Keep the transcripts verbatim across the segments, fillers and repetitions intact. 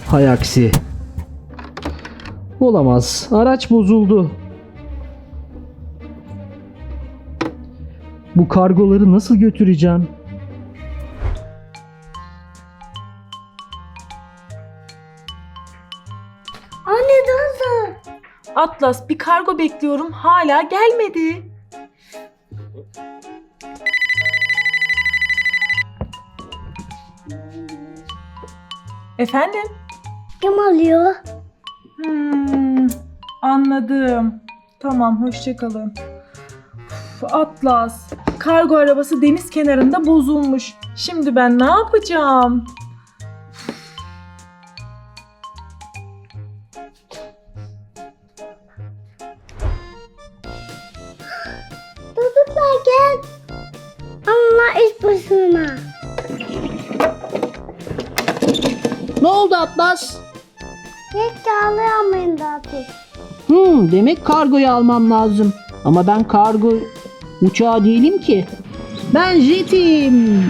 Hay aksi. Olamaz. Araç bozuldu. Bu kargoları nasıl götüreceğim? Anne nasıl? Atlas, bir kargo bekliyorum. Hala gelmedi. Efendim? Kim alıyor? Hmm, anladım. Tamam, hoşça kalın. Uf, Atlas, kargo arabası deniz kenarında bozulmuş. Şimdi ben ne yapacağım? Çocuklar gel. Allah iş başına. Ne oldu Atlas? Hiç çağlayamayın zaten. Hmm, demek kargoyu almam lazım. Ama ben kargo uçağı değilim ki. Ben jetim.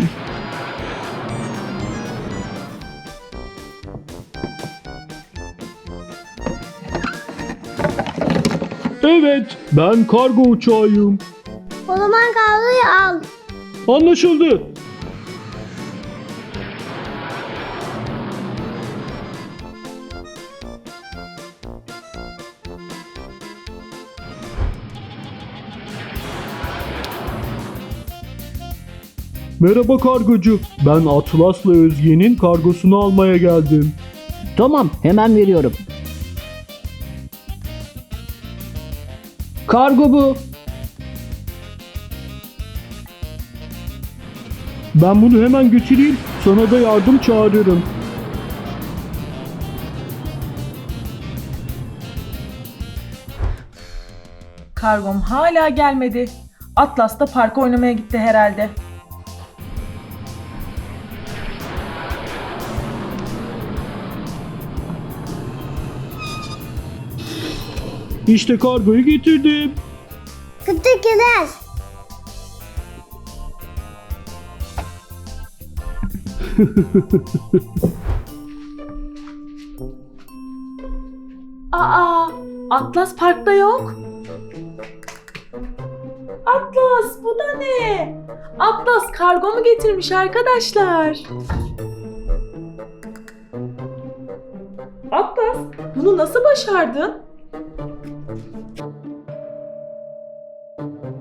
Evet, ben kargo uçağıyım. O zaman kargoyu al. Anlaşıldı. Merhaba kargocu. Ben Atlas'la Özge'nin kargosunu almaya geldim. Tamam, hemen veriyorum. Kargo bu. Ben bunu hemen götüreyim. Sana da yardım çağırırım. Kargom hala gelmedi. Atlas da parka oynamaya gitti herhalde. İşte kargoyu getirdim. Teşekkürler. Aa, Atlas parkta yok. Atlas, bu da ne? Atlas kargo mu getirmiş arkadaşlar? Atlas, bunu nasıl başardın?